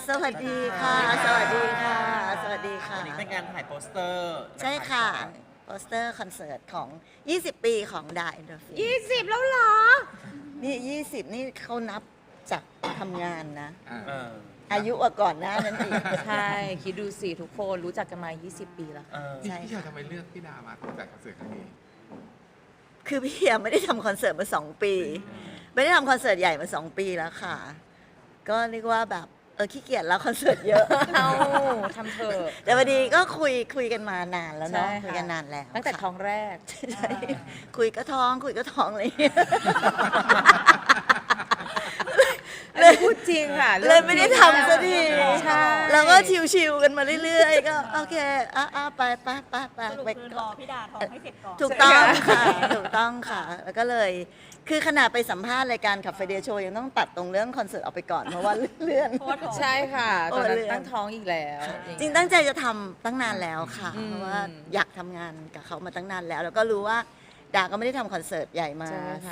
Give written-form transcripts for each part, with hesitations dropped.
สวัสดีค่ะ สวัสดีค่ะ สวัสดีค่ะวันนี้เป็นการถ่ายโปสเตอร์ใช่ค่ะ โปสเตอร์คอนเสิร์ตของ 20 ปีของดา Endorphin 20 แล้วเหรอนี่ 20 นี่เขานับจากทำงานนะเอออายุกว่าก่อนหน้านั้นอีกใช่ คิดดูสิทุกคนรู้จักกันมา 20 ปีแล้วเออใช่พี่ชายทำไมเลือกพี่ดามาจัดคอนเสิร์ตครั้งนี้คือพี่ยังไม่ได้ทำคอนเสิร์ตมา 2 ปี ไม่ได้ทำคอนเสิร์ตใหญ่มา 2 ปีแล้วค่ะ ก็เรียกว่าแบบขี้เกียจแล้วคอนเสิร์ตเยอะเอาทำเถอะแต่พอดีก็คุยกันมานานแล้วเนาะใช่ค่ะคุยกันนานแล้วตั้งแต่ค่ะท้องแรกใช่คุยก็ท้องอะไรอย่างเงี้ยอันนี้พูดจริงค่ะเลยไม่ได้ทำสักทีใช่แล้วก็ชิวๆกันมาเรื่อยๆ ก็โอเคไปสรุปไปคือรอพี่ดาท้องให้เสร็จก่อนถูกต้องค่ะ ถูกต้องค่ะ แล้วก็เลย คือขนาดไปสัมภาษณ์รายการขับไฟเดย์โชว์ยังต้องตัดตรงเรื่องคอนเสิร์ตออกไปก่อน เพราะว่าเลื่อนเพราะว่าท้องใช่ค่ะโอ้ตอนนั้นเรื่องตั้งท้องอีกแล้วจริงตั้งใจจะทำตั้งนานแล้วค่ะอืมเพราะว่าอยากทำงานกับเขามาตั้งนานแล้ว แล้วก็รู้ว่าดาก็ไม่ได้ทำคอนเสิร์ตใหญ่มาใช่ค่ะ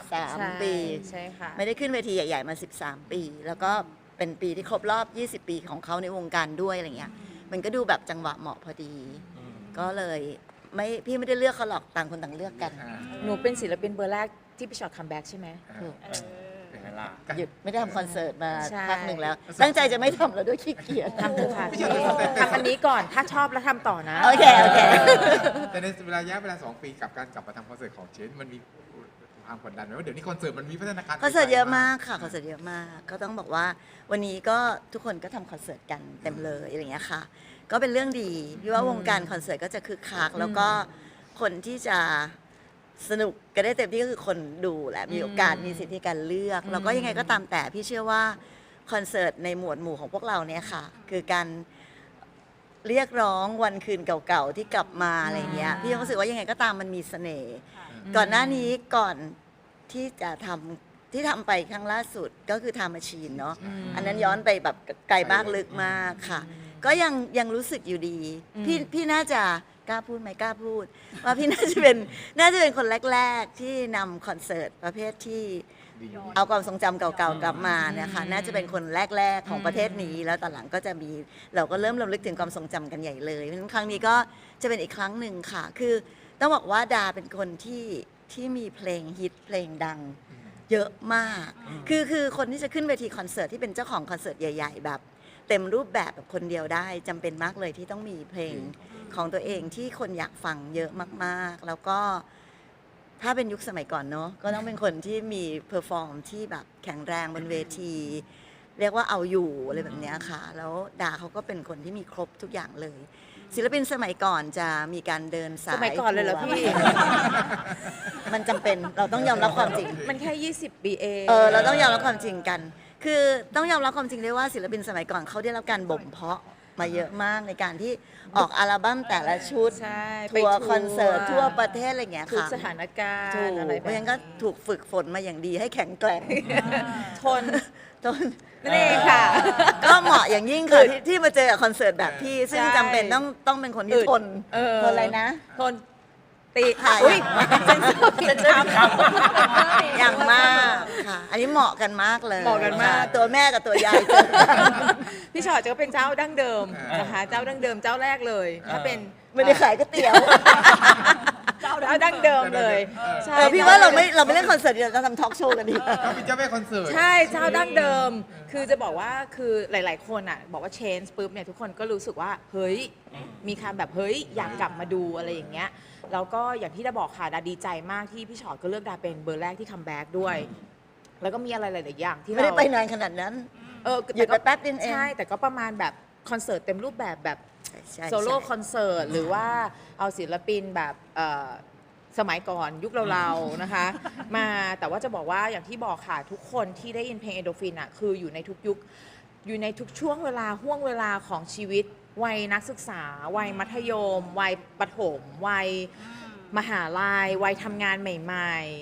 13 ปีใช่ค่ะไม่ได้ขึ้นเวทีใหญ่ๆมา 13 ปี แล้วก็เป็นปีที่ครบรอบ 20 ปีของเขาในวงการด้วยอะไรเงี้ย มันก็ดูแบบจังหวะเหมาะพอดี ก็เลยพี่ไม่ได้เลือกเขาหรอกต่างคนต่างเลือกกันหนูเป็นศิลปินเบอร์แรกที่พี่ชอตคัมแบ็กใช่ไหมถูกเออเป็นไงล่ะหยุดไม่ได้ทำคอนเสิร์ตมาใช่พักหนึ่งแล้ว ตั้งใจจะไม่ทำแล้วด้วยขี้เกียจทำเถอะค่ะพี่ทำอันนี้ก่อนถ้าชอบแล้วทำต่อนะโอเคแต่ในระยะเวลา2 ปีกับการกลับมาทำคอนเสิร์ตของเชนมันมีความกดดันไหมว่าเดี๋ยวนี้คอนเสิร์ตมันมีพัฒนาการคอนเสิร์ตเยอะมากค่ะคอนเสิร์ตเยอะมาก ก็ต้องบอกว่าวันนี้ก็ทุกคนก็ทำคอนเสิร์ตกันเต็มเลยอะไรเงี้ยค่ะ ก็เป็นเรื่องดีพี่ว่าวงการคอนเสิร์ตก็จะคึกคักแล้วก็คนที่จะสนุกกันได้เต็มที่ก็คือคนดูแหละมีโอกาสมีสิทธิการเลือกแล้วก็ยังไงก็ตามแต่พี่เชื่อว่าคอนเสิร์ตในหมวดหมู่ของพวกเราเนี่ยค่ะ คือการเรียกร้องวันคืนเก่าๆที่กลับมาอะไรเงี้ยพี่รู้สึกว่ายังไงก็ตามมันมีเสน่ห์ก่อนหน้านี้ก่อนที่จะทำไปครั้งล่าสุดก็คือทำมาชีนเนาะอันนั้นย้อนไปแบบไกลมากลึกมากค่ะ ก็ยังรู้สึกอยู่ดี พี่น่าจะกล้าพูดไหมกล้าพูด ว่าพี่น่าจะเป็นคนแรกๆที่นำคอนเสิร์ตประเภทที่ดีเอาความทรงจำเก่าๆกลับมาเนี่ยค่ะน่าจะเป็นคนแรกๆของประเทศนี้ แล้วตอนหลังก็จะมีเราก็เริ่มรำลึกถึงความทรงจำกันใหญ่เลยเพราะฉะนั้นครั้งนี้ก็จะเป็นอีกครั้งหนึ่งค่ะ คือต้องบอกว่าดาเป็นคนที่มีเพลงฮิตเพลงดัง เยอะมาก คือคนที่จะขึ้นเวทีคอนเสิร์ตที่เป็นเจ้าของคอนเสิร์ตใหญ่ ๆ แบบเต็มรูปแบบแบบคนเดียวได้จำเป็นมากเลยที่ต้องมีเพลงของตัวเองที่คนอยากฟังเยอะมากๆ แล้วก็ถ้าเป็นยุคสมัยก่อนเนาะก็ต้องเป็นคนที่มีเพอร์ฟอร์มที่แบบแข็งแรงบนเวที เรียกว่าเอาอยู่อะไรแบบเนี้ยค่ะ แล้วดาเขาก็เป็นคนที่มีครบทุกอย่างเลย ศิลปินสมัยก่อนจะมีการเดินสายสมัยก่อนเลยเหรอพี่มันจำเป็นเราต้องยอมรับความจริงมันแค่ 20 ปีเองเราต้องยอมรับความจริงกัน คือต้องยอมรับความจริงด้วยว่าศิลปินสมัยก่อนเขาได้รับการบ่มเพาะมาเยอะมากในการที่ออกอัลบั้มแต่ละชุดใช่ทัวร์คอนเสิร์ตทั่วประเทศอะไรอย่างเงี้ยทุกค่ะสถานการถูกณ์อะไรเพแบบราะฉะนั้นก็ถูกฝึกฝนมาอย่างดีให้แข็งแกร่งทนจนนั่นเองค่ะก็เหมาะอย่างยิ่งค่ะที่มาเจอกับคอนเสิร์ตแบบพี่ ซึ่งใช่จำเป็นต้องเป็นคนที่ทนเออทนอะไรนะทนตีค่ะอุ้ยเซนเซอร์ผิดคำอย่างมากค่ะ อันนี้เหมาะกันมากเลยเหมาะกันมากค่ะตัวแม่กับตัวยายเจอกันพี่ชอตจะเป็นเจ้าดั้งเดิมนะคะเจ้าดั้งเดิมเจ้าแรกเลยถ้าเป็นไม่ได้ขายก๋วยเตี๋ยวเจ้าดั้งเดิมเลยใช่พี่ว่าเราไม่เล่นคอนเสิร์ตเราทำทอล์กโชว์กันดีกว่าเขาเป็นเจ้าแม่คอนเสิร์ตใช่เจ้าดั้งเดิม คือจะบอกว่าคือหลาย ๆ คนอ่ะบอกว่า change ปุ๊บเนี่ยทุกคนก็รู้สึกว่าเฮ้ยมีคำแบบเฮ้ยอยากกลับมาดูอะไรอย่างเงี้ยแล้วก็อย่างที่ดาบอกค่ะดาดีใจมากที่พี่ชอตก็เลือกดาเป็นเบอร์แรกที่คัมแบ็กด้วย แล้วก็มีอะไรหลาย ๆ อย่างที่ไม่ได้เราไปนานขนาดนั้น หยุดไปแป๊บนึงเองใช่แต่ก็ประมาณแบบคอนเสิร์ตเต็มรูปแบบแบบใช่โซโล่คอนเสิร์ตหรือว่าเอาศิลปินแบบสมัยก่อนยุคเราๆนะคะ มาแต่ว่าจะบอกว่าอย่างที่บอกค่ะทุกคนที่ได้ยินเพลงเอโดฟินอ่ะคืออยู่ในทุกยุคอยู่ในทุกช่วงเวลาห่วงเวลาของชีวิต วัยนักศึกษา วัยมัธยม วัยประถม วัยมหาลัยวัยทำงานใหม่ ๆ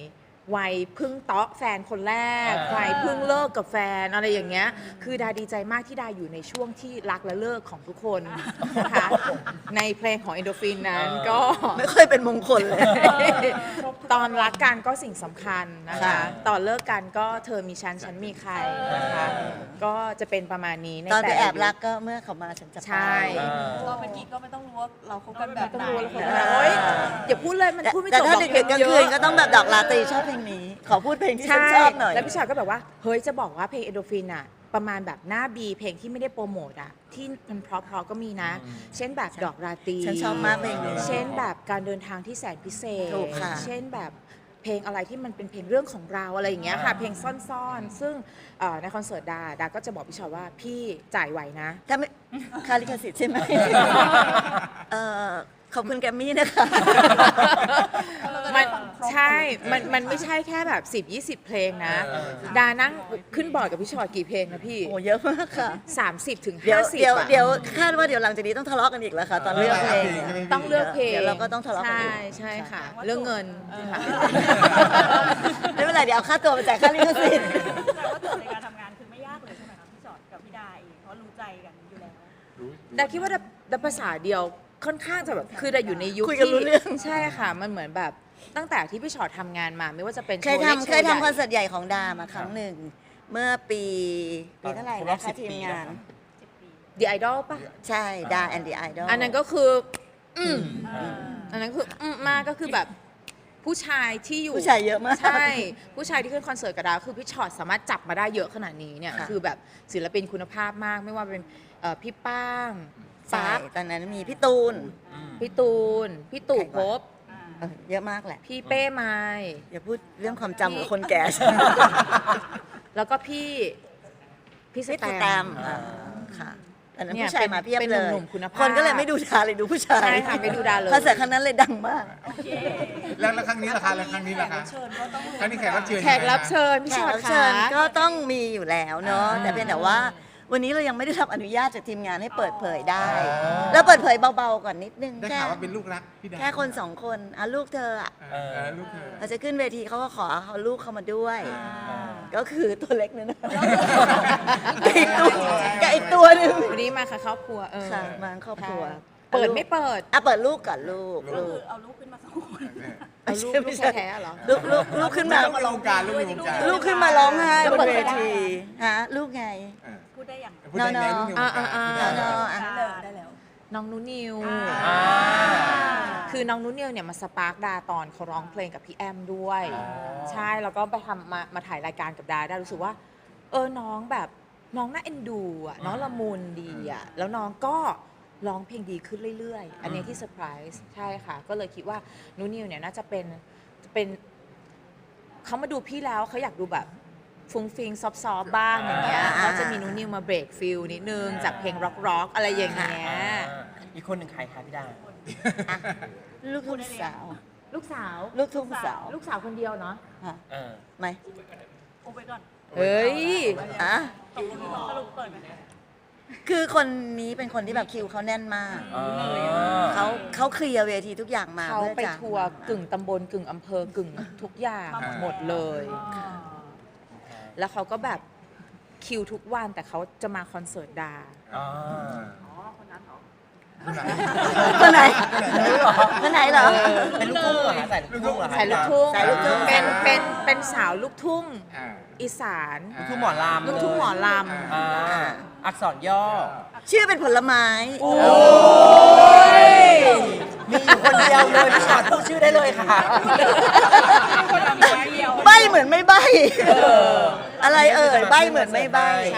วัยเพิ่งเตาะแฟนคนแรกวัยเพิ่งเลิกกับแฟนอะไรอย่างเงี้ยคือดาดีใจมากที่ดาอยู่ในช่วงที่รักและเลิกของทุกคนนะคะในเพลงของเอนโดฟินนั้นก็ไม่ค่อยเป็นมงคลเลยตอนรักกันก็สิ่งสำคัญนะคะค่ะตอนเลิกกันก็เธอมีฉันมีใครนะคะก็จะเป็นประมาณนี้ในตอนไปแต่ละแอบรักยุคก็เมื่อเขามาฉันจะไปใช่เราเป็นกิ๊กก็ไม่ต้องรู้ว่าเราคบกันแบบต้องไหนรู้แล้วคนโอ๊ยอย่าพูดเลยมันพูดไม่จแต่บหรถ้าอกดึกๆกลางคืนก็ต้องแบบดอกลาตรีชอบเพลงนี้ ขอพูดเพลงที่ฉันใช่ชอบหน่อยแล้วพี่ชอยก็แบบว่าเฮ้ยจะบอกว่าเพลงเอโดฟินอะประมาณแบบหน้าบีเพลงที่ไม่ได้โปรโมทอะที่มันเพราะๆก็มีนะ เช่นแบบดอกราตรีฉันชอบมากเพลงนี้เช่นแบบการเดินทางที่แสนพิเศษถูกค่ะเช่นแบบเพลงอะไรที่มันเป็นเพลงเรื่องของเราอะไรอย่างเงี้ยค่ะ เพลงซ่อนๆ ซึ่งในคอนเสิร์ตดาก็จะบอกพี่ชอยว่าพี่จ่ายไหวนะถ้าไม่ค่าลิขสิทธิ์ใช่ไหม ขอบคุณแกรมมี่นะคะมันใช่ มันไม่ใช่แค่แบบ 10-20 เพลงนะ ดานั่งขึ้นบอร์ดกับพี่ชอยกี่เพลงนะพี่โอ้เยอะมากค่ะ 30 ถึงเดี๋ยว 50 เดี๋ยวอะเดี๋ยวคาดว่าเดี๋ยวหลังจากนี้ต้องทะเลาะกันอีกแล้วค่ะ ตอนเลือกเพลงต้องเลือกเพลงเดี๋ยวเราก็ต้องทะเลาะกันใช่อีกใช่ค่ะ เรื่องเงินค่ะไม่เป็นไรเดี๋ยวเอาค่าตัวมาจ่ายค่าลิขสิทธิ์แต่ว่าโจทย์ในการทำงานคือไม่ยากเลยใช่ไหมคะพี่จอดกับพี่ดาเองเพราะรู้ใจกันอยู่แล้วดาคิดว่าดาภาษาเดียวค่อนข้างจะแบบคือดาอยู่ในยุคคุยกันรู้ที่เรื่องใช่ค่ะ มันเหมือนแบบตั้งแต่ที่พี่ชอตทำงานมาไม่ว่าจะเป็นเคยโชว์ล็กทำโชเคยว์ใหญ่ทำคอนเสิร์ตใหญ่ของดามาครั้งหนึ่ง เมื่อปีเท่าไหร่ครบรอนะบคะ 10 ทีมงาน The Idol ป่ะใช่ดาแอนดี้ไอดอลอันนั้นก็คืออันนั้นคือมากก็คือแบบผู้ชายที่อยู่ผู้ชายเยอะมากใช่ผู้ชายที่ขึ้นคอนเสิร์ตกับดาคือพี่ชอตสามารถจับมาได้เยอะขนาดนี้เนี่ยค่ะคือแบบศิลปินคุณภาพมากไม่ว่าเป็นพี่ป้างใช่ปั๊บตอนนั้นมีพี่ตูนพี่ตูน พี่ตู่ใครภวะพเยอะมากแหละพี่เป้ไม้อย่าพูดเรื่องความจำกับคนแก่แล้วก็พี่สพี่แตตูแตมมค่ะตอนนั้นเนี่ยผู้ชายมาเพียบเป็นเลหยนุ่มๆคุณภาพคนก็เลยไม่ดูดาเลยดูผู้ชายใช่ค่ะไม่ดูดาเลยคอนเสิร์ตครั้งนั้นเลยดังมากแล้วครั้งนี้ล่ะคะแล้วครั้งนี้ล่ะคะครั้งนี้แขกรับเชิญแขกรับเชิญพี่แขชกอตรับค่ะเชิญก็ต้องมีอยู่แล้วเนาะแต่เพียงแต่ว่าวันนี้เรายังไม่ได้รับอนุญาตจากทีมงานให้เปิดเผยได้ แล้วเปิดเผยเบาๆก่อนนิดนึงได้แค่ข่าวว่าเป็นลูกรักพี่ดาแค่คนสองคนอ่ะลูกเธออ่ะลูกเธอเราจะขึ้นเวทีเขาก็ขอเอาลูกเขามาด้วย ก็คือตัวเล็กนั่นนะกับอีกตัวหนึงวันนี้มาค่ะครอบครัวค่ะมาครอบครัวเปิดไม่เปิดอ่ะเปิดลูกก่อนลูกก็คือเอาลูกขึ้นมาสองคนเอาลูกแท้ๆเหรอลูกขึ้นมาลูกในวงการลูกในวงการลูกขึ้นมาร้องไห้บนเวทีฮะลูกไงพูดได้อย่างพูดได้แล้วลูกในวงการได้แล้วน้องนุนิวอ่าคือน้องนุนิวเนี่ยมาสปาร์กดาตอนเขาร้องเพลงกับพี่แอมด้วย ใช่แล้วก็ไปทำมาถ่ายรายการกับดารู้สึกว่าน้องแบบน้องน่าเอ็นดูอ่ะน้องละมุนดีอ่ะแล้วน้องก็ร้องเพลงดีขึ้นเรื่อยๆ อันนี้ที่เซอร์ไพรส์ใช่ค่ะ ก็เลยคิดว่านุนิวเนี่ยน่าจะเป็นเขามาดูพี่แล้วเขาอยากดูแบบฟุ้งฟิงซอฟๆบ้างอย่างเงี้ยก็จะมีนุนิวมาเบรกฟิลนิดนึงจากเพลงร็อกๆอะไรอย่างเงี้ยอีกคนหนึ่งใครคะพี่ดาลูกทุ่งสาวลูกสาวลูกทุ่งสาวลูกสาวคนเดียวเนาะฮะเออไหมโอ้ไปก่อนเฮ้ยอ่ะตกลงสรุปเปิดไหมคือคนนี้เป็นคนที่แบบคิวเขาแน่นมากอ๋อเขาเคลียร์เวทีทุกอย่างมาเขาพื่อไปจะทัวร์กึ่งตำบลกึ่งอำเภอกึ่งทุกอย่างหมดเลย แล้วเขาก็แบบคิวทุกวันแต่เขาจะมาคอนเสิร์ตดาอ๋อคนไหนคนไหนเหรอเป็นลูกทุ่งเหรอคะใส่ลูกทุ่งเหรอคะสายลูกทุ่งสายลูกทุ่งเป็นสาวลูกทุ่ง อีสานลูกทุ่งหมอลำลูกทุ่งหมอลอ่าอักษรย่อชื่อเป็นผลไม้มีอยู่คนเดียวเลยพี่ชอตพูดชื่อได้เลยค่ะใบเหมือนไม่ใบอะไรเอ่ยใบเหมือนไม่ใบำใช่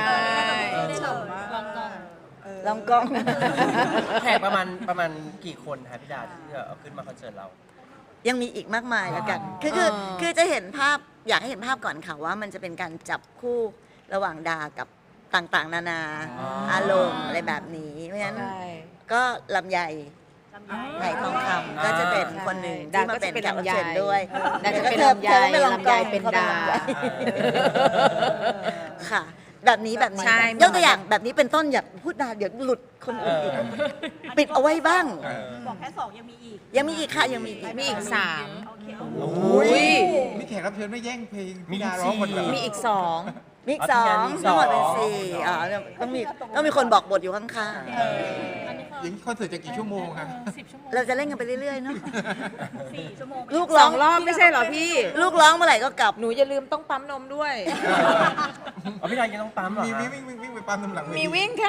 ลองกล้องแขกประมาณกี่คนคะพี่ดาที่จะเอาขึ้นมาคอนเสิร์ตเรายังมีอีกมากมายแล้วกัน คือจะเห็นภาพอยากให้เห็นภาพก่อนค่ะว่ามันจะเป็นการจับคู่ระหว่างดากับต่างๆ นานาอ๋อออารมณ์อะไรแบบนี้ เพราะฉะนั้นใช่ก็ลำไยไหทองคำก็จะเป็นคนหนึ่งดาที่มาก็เป็จะนเป็นแขกรับลำไยเชิญด้วยดาจะเป็นธอลำไยธอก็เป็นรองลำกไยองเป็นเขาดาลำไยค่ะแบบนี้แบบนี้ใช่ยกตัวอย่างแบบนี้เป็นต้นอย่าพูดนานเดี๋ยวหลุดคนอื่นอีก ปิดเอาไว้บ้างบอกแค่2ยังมีอีกยังมีอีกค่ะยังมีอีกมีอีกโอเคอุ้ยมีแขกรับเชิญไม่แย่งเพลงมีพี่ดาร้องคนเดียวมีอีก 2 มีอีกสองมีอีกสองทั้งหมดเป็นสี่ต้องมีคนบอกบทอยู่ข้างอย่างนี้คอนเสิร์ตจะกี่ชั่วโมงคะๆเราจะเล่นกันไปเรื่อยๆเนาะ 4 ชั่วโมงลูกร้อง 2 รอบไม่ใช่เหรอพี่ลูกร้องเมื่อไหร่ก็กลับหนูอย่าลืมต้องปั๊มนมด้วยอ๋อพี่ดายังต้องปั๊มเหรอมีฮะวิ่งไปปั๊มน้ำหลังเทีมีวิ่งค่ะ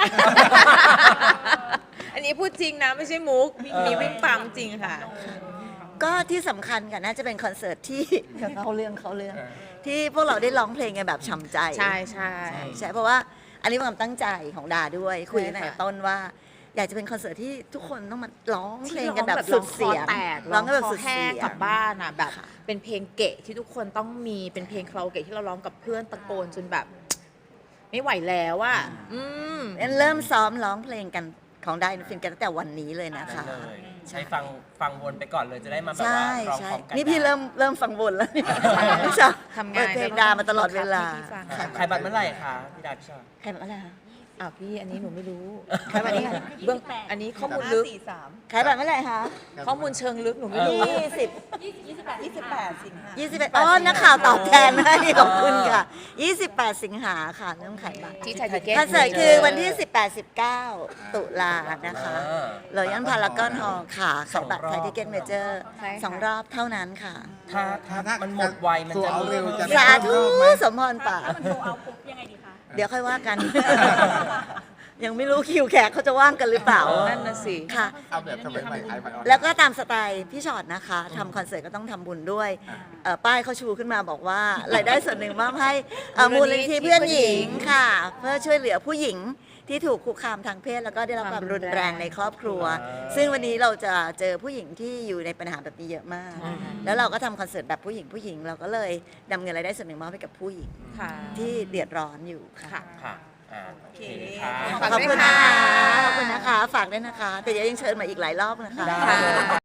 อันนี้พูดจริงนะไม่ใช่มุก มีวิ่งปั๊มจริงค่ะก็ที่สำคัญกันน่าจะเป็นคอนเสิร์ตที่ เขาเรื่องที่พวกเราได้ร้องเพลงกันแบบฉ่ำใจใช่ใช่ใช่เพราะว่าอันนี้เป็นความตั้งใจของดาด้วยคุยกันใช่ตั้งค่ะแต่ต้นว่า อยากจะเป็นคอนเสิร์ตที่ทุกคนต้องมาร้องเพลงที่กันแบบสุดเสียงร้องคอแตกร้องกันแบบสุดแห้เสีงยกลังบบ้านอ่ะแบบค่ะเป็นเพลงเกะที่ทุกคนต้องมีเป็นเพลงคาราโอเกะที่เราร้องกับเพื่อนตะโกนจนแบบ ไม่ไหวแล้วอ่ะงั้นเริ่มซ้อมร้องเพลงกันของได้ฟินกันตั้งแต่วันนี้เลยนะคะได้เลยใช้ฟังวนไปก่อนเลยจะได้มาแบบใช่ว่าร้องใช่พร้อมกันนี่พี่ได้เริ่มฟังบนแล้วเนี่ยพี่ชอบทำเปิงาดนเพลงดามาตลอดเวลาให้พี่ฟังขายบัตรเมื่อไหร่คะพี่ดาพี่ชอบใครแบบอะไรคะอ้าวพี่อันนี้หนูไม่รู้ใครแบบนี้เบื้องอันนี้ข้อมูลลึกใครแบบเมื่อไหร่คะข้อมูลเชิงลึกหนูไม่รู้ 28 สิงหา 21อ๋อนักข่าวตอบแทนให้ขอบคุณค่ะ 28 สิงหาค่ะเริ่มขายบัตรที่ไทยทิเก็ตคอนเสิร์ตคือวันที่ 18-19 ตุลานะคะอ่าเลยยันพารากอนฮอลล์ค่ะสขาอย งบัตรรอบไทยทิเก็ตเมเจอร์ใช่ค่ะสองรอบเท่านั้นค่ะถ้ามันหมดไวมันตัวจะเอาเร็วจะสาธุสมพรป่ากถ้ามันโทรเอาปุ๊บยังไงดีคะเดี๋ยวค่อยว่ากัน ยังไม่รู้คิวแขกเขาจะว่างกันหรือเปล่านั่นน่ะสิค่ะเอาแบบสมัยใหม่ไอไปออนแล้วก็ตามสไตล์พี่ชอตนะคะทำคอนเสิร์ตก็ต้องทำบุญด้วยป้ายเขาชูขึ้นมาบอกว่ารายได้ส่วนหนึ่งมอบให้มูลนิธิเพื่อนหญิงค่ะ เพื่อช่วยเหลือผู้หญิงที่ถูกคุกคามทางเพศแล้วก็ได้รับความรุนแรงในครอบครัว ซึ่งวันนี้เราจะเจอผู้หญิงที่อยู่ในปัญหาแบบนี้เยอะมาก แล้วเราก็ทำคอนเสิร์ตแบบผู้หญิงเราก็เลยนำเงินรายได้ส่วนหนึ่งมอบให้กับผู้หญิงค่ะที่เดือดร้อนอยู่ค่ะค่ะค่ะโอเคค่ะฝากขอบด้วยคุณค่ะนะคะขอบคุณนะคะฝากด้วยนะคะ แต่เดี๋ยวยังเชิญมาอีกหลายรอบนะคะได้